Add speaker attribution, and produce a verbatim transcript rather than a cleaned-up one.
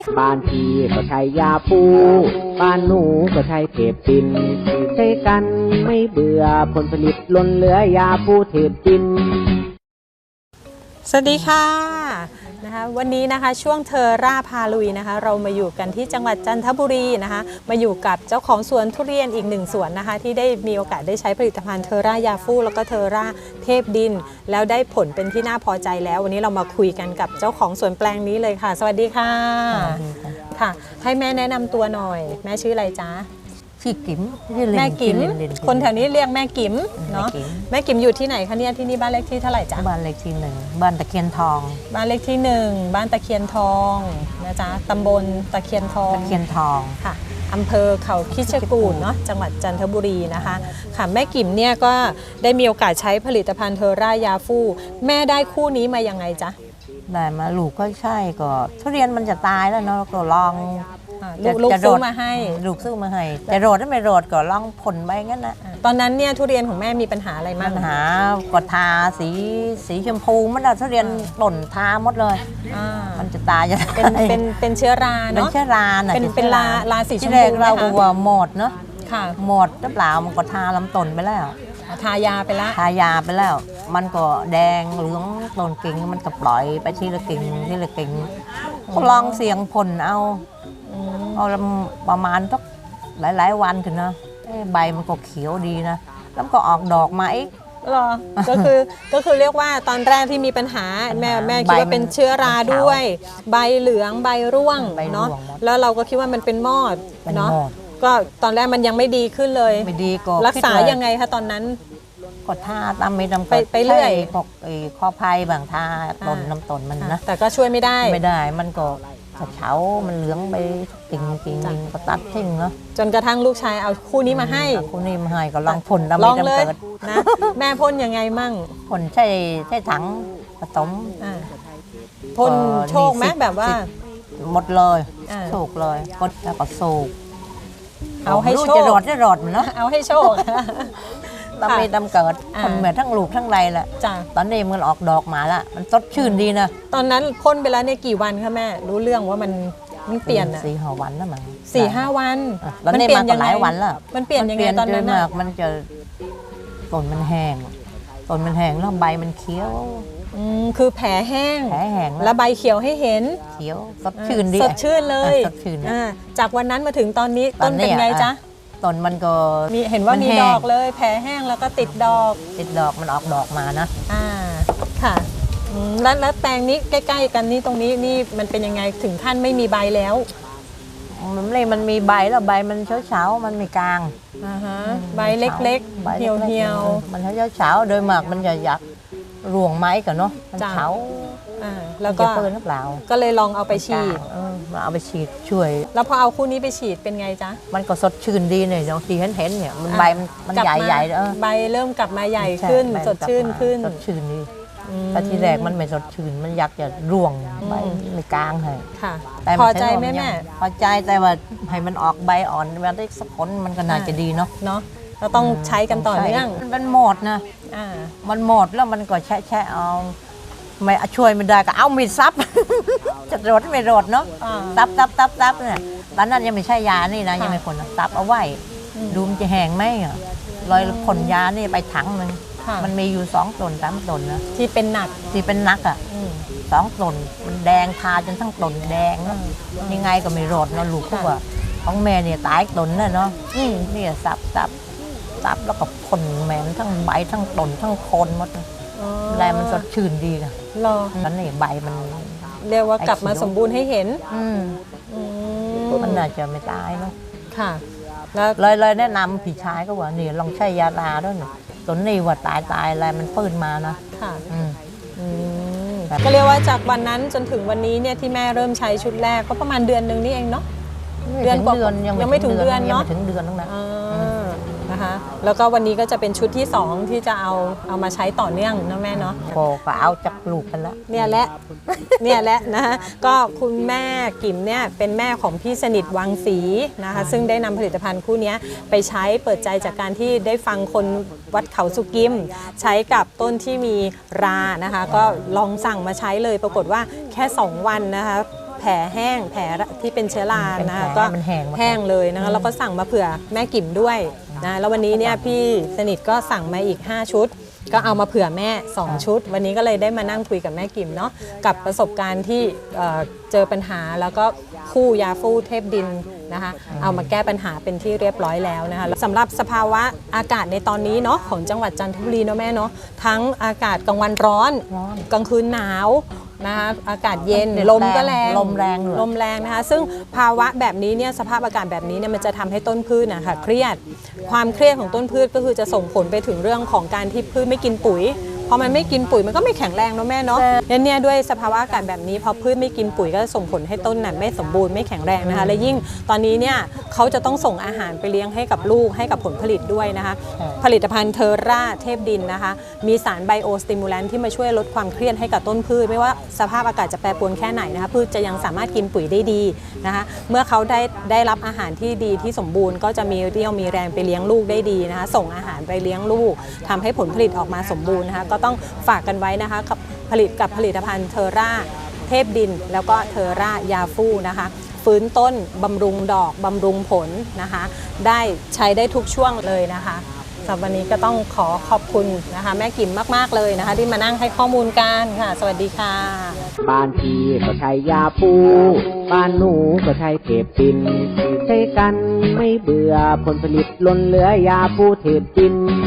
Speaker 1: บ้านพี่ก็ใช้ยาปูบ้านหนูก็ใช้เทปตินใช้กันไม่เบื่อผลผลิตล้นเหลือยาปูเทปติน
Speaker 2: สวัสดีค่ะนะคะวันนี้นะคะช่วงเทอร่าพาลุยนะคะเรามาอยู่กันที่จังหวัดจันทบุรีนะคะมาอยู่กับเจ้าของสวนทุเรียนอีกหนึ่งสวนนะคะที่ได้มีโอกาสได้ใช้ผลิตภัณฑ์เทอร่ายาฟูแล้วก็เทอร่าเทพดินแล้วได้ผลเป็นที่น่าพอใจแล้ววันนี้เรามาคุยกันกับเจ้าของสวนแปลงนี้เลยค่ะสวัสดีค่ะค่ะให้แม่แนะนำตัวหน่อยแม่ชื่ออะไรจ๊ะ
Speaker 3: ชื่อกิ๋ม
Speaker 2: แม่กิ๋มคนแถวนี้เรียกแม่กิ๋มเนาะแม่กิ๋มอยู่ที่ไหนคะเนี่ยที่นี่บ้านเลขที่เท่าไหร่จ๊ะ
Speaker 3: บ้านเลขที่หนึ่งบ้านตะเคียนทอง
Speaker 2: บ้านเลขที่หนึ่งบ้านตะเคียนทองนะจ๊ะตำบลตะเคียนทอง
Speaker 3: ตะเคียนทอง
Speaker 2: ค่ะอำเภอเขาคิชกูฏเนาะจังหวัดจันทบุรีนะคะค่ะแม่กิ๋มเนี่ยก็ได้มีโอกาสใช้ผลิตภัณฑ์เทอร่ายาฟูแม่ได้คู่นี้มายังไงจ๊ะ
Speaker 3: ได้มาลูกก็ใช่ก็ทุเรียนมันจะตายแล้วเนาะก็ลอง
Speaker 2: ลูกซื้อมาให้
Speaker 3: ลูกซื้อมาให้จะโรดถ้าไม่โรดก็ลองผลไปงั้นนะ
Speaker 2: ตอนนั้นเนี่ยทุเรียนของแม่มีปัญหาอะไรบ้าง
Speaker 3: ปัญหาก็ทาสีสีชมพูมันอะทุเรียนหล่นทาหมดเลยมันจะตายจะ
Speaker 2: เป็นเป็นเป็นเชื้อราเนาะ
Speaker 3: เป็นเชื้อราน่ะ
Speaker 2: เป็นเป็นลาลาสีชมพู
Speaker 3: ที่แรกเราก็ว่าหมดเนาะ
Speaker 2: ค่ะ
Speaker 3: หมดหรือเปล่ามันก็ทาลำต้นไปแล้ว
Speaker 2: ทายาไปแล้ว
Speaker 3: ทายาไปแล้วมันก็แดงเหลืองต้นกิ่งมันก็ปล่อยไปทีละกิ่งทีละกิ่งก็ลองเสียงผลเอาเอาประมาณสักหลายๆวันถึงนะใบมันก็เขียวดีนะแล้วก็ออกดอกมาอีก
Speaker 2: หรอก็คือก็คือเรียกว่าตอนแรกที่มีปัญหาแม่แม่คิดว่าเป็นเชื้อราด้วยใบเหลืองใบร่วงเนาะแล้วเราก็คิดว่ามันเป็นมอดเนาะก็ตอนแรกมันยังไม่ดีขึ้นเลย
Speaker 3: ไม่ดีก็
Speaker 2: รักษายังไงคะตอนนั้น
Speaker 3: ก็ทาตามไม่ทำ
Speaker 2: ไปไปเรื่อย
Speaker 3: พวกข้อภัยบางทาต้นน้ำต้นมันนะ
Speaker 2: แต่ก็ช่วยไม่ได้
Speaker 3: ไม่ได้มันก็เฉามันเหลืองไปกิ่งกิ่งก็ตัดทิ้งเนาะ
Speaker 2: จนกระทั่งลูกชายเอาคู่นี้มาให้
Speaker 3: คู่นี้มาให้ก็ลองพ่น
Speaker 2: ลองเลยนะแม่พ่นยังไงมั่ง
Speaker 3: พ่นใช่ใช่ถังผสม
Speaker 2: พ่นโชคไหมแบบว่า
Speaker 3: หมดเลยโชคเลยก็แล้วก็โศก
Speaker 2: เอาให้โชค
Speaker 3: จะรอดจะรอดมันเนาะ
Speaker 2: เอาให้โชค
Speaker 3: ตำไม่ตำเกิดคนเหมือนทั้งลูกทั้งไรแหละตอนนี้มันออกดอกมาละมันสดชื่นดีนะ
Speaker 2: ตอนนั้นพ่นไปแล้วเนี่ยกี่วันคะแม่รู้เรื่องว่ามันมันเปลี่ยน
Speaker 3: สี่ห้าวันแล้วมั้ง
Speaker 2: สี่ห้าวัน
Speaker 3: มันเปลี่ยนยังไงหลายวันแล้ว
Speaker 2: มันเปลี่ยนยังไงตอนนั้น
Speaker 3: มากมันจะต้นมันแห้งต้นมันแห้งแล้วใบมันเขียว
Speaker 2: อืมคือแผลแห้ง
Speaker 3: แผลแห้ง
Speaker 2: แล้วใบเขียวให้เห็น
Speaker 3: เขียวสดชื่นดี
Speaker 2: สดชื่นเลย
Speaker 3: สดชื่น
Speaker 2: จากวันนั้นมาถึงตอนนี้ต้นเป็นไงจ๊ะ
Speaker 3: ต้นมันก็
Speaker 2: มีเห็นว่ามีดอกเลยแผลแห้งแล้วก็ติดดอก
Speaker 3: ติดดอกมันออกดอกมานะ
Speaker 2: อ่าค่ะแล้วแล้วแปลงนี้ใกล้ๆกันนี่ตรงนี้นี่มันเป็นยังไงถึงขั้นไม่มีใบแล้ว
Speaker 3: มันเลยมันมีใบแล้วใบมันเฉาๆมันไม่กลาง
Speaker 2: อ่าฮะใบเล็กๆเหี่ยว
Speaker 3: ๆมันเฉาๆโดยมากมันจะอยากร่วงไม้กันเนาะมันเฉา
Speaker 2: แล้วก็
Speaker 3: เปิดหรือเปล่า
Speaker 2: ก็เลยลองเอาไปฉีด
Speaker 3: เอาไปฉีดช่วย
Speaker 2: แล้วพอเอาคู่นี้ไปฉีดเป็นไงจ๊ะ
Speaker 3: มันก็สดชื่นดีเนี่ยบางทีเห็นเห็นเนี่ยมันใบมันใหญ่ใหญ่เออ
Speaker 2: ใบเริ่มกลับมาใหญ่ขึ้นสดชื่นขึ้น
Speaker 3: สดชื่นดีแต่ทีแรกมันไม่สดชื่นมันอยากจะร่วงใบไม่กลางให้
Speaker 2: ค่ะพอใจไหมแม่
Speaker 3: พอใจแต่ว่าให้มันออกใบอ่อนมันได้สักผลมันก็น่าจะดีเนาะ
Speaker 2: เนาะเราต้องใช้กันต่อเนื่อง
Speaker 3: มันหมดนะมันหมดแล้วมันก็แช่แช่เอาไม่ช่วยไม่ได้ก็เอามีดซับจะรดไม่รดเนาะซับซับซับซับเนี่ยตอนนั้นยังไม่ใช่ยานี่นะยังไม่ผลซับเอาไว้ดูมันจะแห้งไหมอ่ะลอยผลยานี่ไปถังหนึ่งมันมีอยู่สองต้นสามต้นนะ
Speaker 2: ที่เป็นหนัก
Speaker 3: ที่เป็นนักอ่ะสองต้นมันแดงทาจนทั้งต้นแดงเนาะยังไงก็ไม่รดเนาะลูกพวกว่าของแม่เนี่ยตายต้นน่ะเนาะนี่ซับซับซับแล้วก็ผลแม่ทั้งใบทั้งต้นทั้งโคนหมดอะไรมันสดชื่นดีนะ
Speaker 2: รอ
Speaker 3: แล้วนี่ใบมัน
Speaker 2: เรียกว่ากลับมาสมบูรณ์ให้เห็น
Speaker 3: มันน่าจะไม่ตายเนาะ
Speaker 2: ค่ะแล้ว
Speaker 3: เลยเลยแนะนำพี่ชายก็ว่านี่ลองใช้ยาลาด้วยต้นนี้ว่าตายตายอะไรมันฟื้นมานะ
Speaker 2: ค่ะก็เรียกว่าจากวันนั้นจนถึงวันนี้เนี่ยที่แม่เริ่มใช้ชุดแรกก็ประมาณเดือนหนึ่งนี่เองเนาะ
Speaker 3: เดือนกว่า
Speaker 2: ยังไม่ถึงเดือนเนาะ
Speaker 3: ถึงเดือนนึงนะ
Speaker 2: นะคะแล้วก็วันนี้ก็จะเป็นชุดที่สองที่จะเอาเอามาใช้ต่อเนื่องนะแม่เนาะ
Speaker 3: โอ้ก็เอาจากลูกกันแล้ว
Speaker 2: เนี่ยแหละเนี่ยแหละนะคะก็คุณแม่กิ๋มเนี่ยเป็นแม่ของพี่สนิทวังศรีนะคะซึ่งได้นำผลิตภัณฑ์คู่นี้ไปใช้เปิดใจจากการที่ได้ฟังคนวัดเขาสุกิมใช้กับต้นที่มีรานะคะก็ลองสั่งมาใช้เลยปรากฏว่าแค่สองวันนะคะแผลแห้งแผลที่เป็นเชื้อรานะคะก็
Speaker 3: มันแห้งมาก
Speaker 2: แห้งเลยนะคะแล้วก็สั่งมาเผื่อแม่กิ่มด้วยนะแล้ววันนี้เนี่ยพี่สนิทก็สั่งมาอีกห้าชุดก็เอามาเผื่อแม่สองชุดวันนี้ก็เลยได้มานั่งคุยกับแม่กิ่มเนาะกับประสบการณ์ที่เอ่อเจอปัญหาแล้วก็คู่ยาฟูเทพดินนะคะเอามาแก้ปัญหาเป็นที่เรียบร้อยแล้วนะคะสำหรับสภาวะอากาศในตอนนี้เนาะของจังหวัดจันทบุรีเนาะแม่เนาะทั้งอากาศกลางวันร้อน
Speaker 3: ร้อน
Speaker 2: กลางคืนหนาวนะคะอากาศเย็นลมก็แรง
Speaker 3: ลมแรงเลย
Speaker 2: ลมแรงนะคะซึ่งภาวะแบบนี้เนี่ยสภาพอากาศแบบนี้เนี่ยมันจะทำให้ต้นพืชนะคะเครียดความเครียดของต้นพืชก็คือจะส่งผลไปถึงเรื่องของการที่พืชไม่กินปุ๋ยพอมันไม่กินปุ๋ยมันก็ไม่แข็งแรงเนาะแม่เนาะเนี่ยเนี่ยด้วยสภาวะอากาศแบบนี้พอพืชไม่กินปุ๋ยก็ส่งผลให้ต้นน่ะไม่สมบูรณ์ไม่แข็งแรงนะคะและยิ่งตอนนี้เนี่ยเขาจะต้องส่งอาหารไปเลี้ยงให้กับลูกให้กับผลผลิตด้วยนะคะผลิตภัณฑ์เทอร่าเทพดินนะคะมีสารไบโอสติมูแลนท์ที่มาช่วยลดความเครียดให้กับต้นพืชไม่ว่าสภาพอากาศจะแปรปรวนแค่ไหนนะคะพืชจะยังสามารถกินปุ๋ยได้ดีนะคะเมื่อเขาได้ได้รับอาหารที่ดีที่สมบูรณ์ก็จะมีเรี่ยวมีแรงไปเลี้ยงลูกได้ดีนะคะส่งอาหารไปเลี้ยงลูกทำให้ผลผลิตออกมาสมบูรณ์นะคะก็ต้องฝากกันไว้นะคะกับผลิตกับผลิตภัณฑ์เทอร่าเทพดินแล้วก็เทอร่ายาฟูนะคะฟื้นต้นบำรุงดอกบำรุงผลนะคะได้ใช้ได้ทุกช่วงเลยนะคะสำหรับวันนี้ก็ต้องขอขอบคุณนะคะแม่กิ่มมากๆเลยนะคะที่มานั่งให้ข้อมูลกันค่ะสวัสดีค่ะ
Speaker 1: บ้านพี่ก็ใช้ยาปูบ้านหนูก็ใช้เทปดินใช้กันไม่เบื่อผลผลิตล้นเหลือยาปูเทปดิน